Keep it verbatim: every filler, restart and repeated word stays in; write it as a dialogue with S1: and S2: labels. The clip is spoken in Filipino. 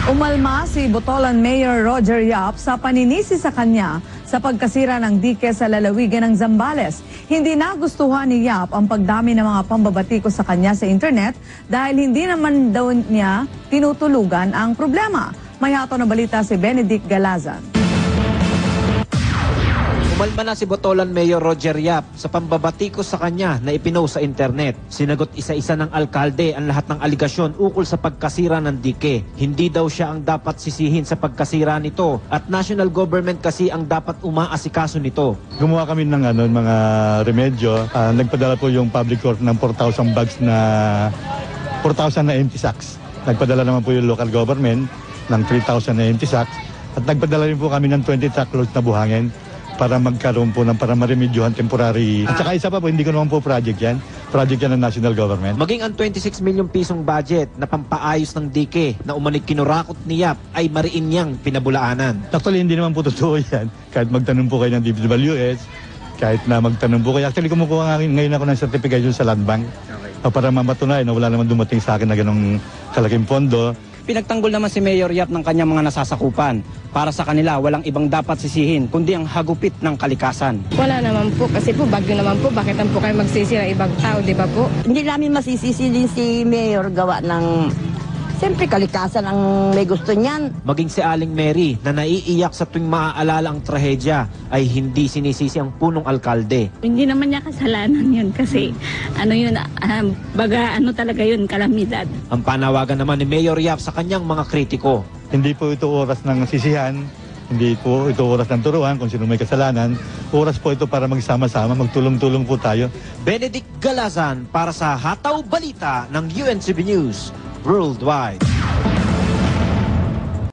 S1: Umalma si Botolan Mayor Roger Yap sa paninisi sa kanya sa pagkasira ng dike sa lalawigan ng Zambales. Hindi nagustuhan ni Yap ang pagdami ng mga pambabatiko sa kanya sa internet dahil hindi naman daw niya tinutulugan ang problema. May hato na balita si Benedict Galazan.
S2: Umalma na si Botolan Mayor Roger Yap sa pambabatiko sa kanya na ipinost sa internet. Sinagot isa-isa ng alkalde ang lahat ng aligasyon ukol sa pagkasira ng dike. Hindi daw siya ang dapat sisihin sa pagkasira nito at national government kasi ang dapat umaasikaso nito.
S3: Gumawa kami ng ano, mga remedyo. Uh, nagpadala po yung public court ng four thousand bags na four thousand na empty sacks. Nagpadala naman po yung local government ng three thousand na empty sacks. At nagpadala rin po kami ng twenty truckloads na buhangin para magkaroon po ng para maremedyohan temporary. At saka isa pa po, hindi ko naman po project yan. Project yan ng national government.
S2: Maging ang twenty-six million pisong budget na pampaayos ng dike na umanig kinurakot ni Yap ay mariin niyang pinabulaanan.
S3: Actually, hindi naman po totoo yan. Kahit magtanong po kayo ng D P W S, kahit na magtanong po kayo. Actually, kumukuha nga ngayon ako ng certification sa Land Bank. Okay. Para mamatunayan na wala naman dumating sa akin na ganong kalaking pondo.
S4: Pinagtanggol naman si Mayor Yap ng kanyang mga nasasakupan. Para sa kanila, walang ibang dapat sisihin, kundi ang hagupit ng kalikasan.
S5: Wala naman po, kasi po bagyo naman po. Bakit naman po kayo magsisi ng ibang tao, di ba po?
S6: Hindi namin masisisi din si Mayor gawa ng, siyempre, kalikasan ang may gusto niyan.
S2: Maging si Aling Mary na naiiyak sa tuwing maaalala ang trahedya ay hindi sinisisi ang punong alkalde.
S7: Hindi naman niya kasalanan yun kasi ano yun, uh, baga ano talaga yun, kalamidad.
S2: Ang panawagan naman ni Mayor Yap sa kanyang mga kritiko.
S3: Hindi po ito oras ng sisihan, hindi po ito oras ng turuan kung sino may kasalanan. Oras po ito para magsama-sama, magtulong-tulong po tayo.
S2: Benedict Galazan para sa Hataw Balita ng U N C B News Worldwide.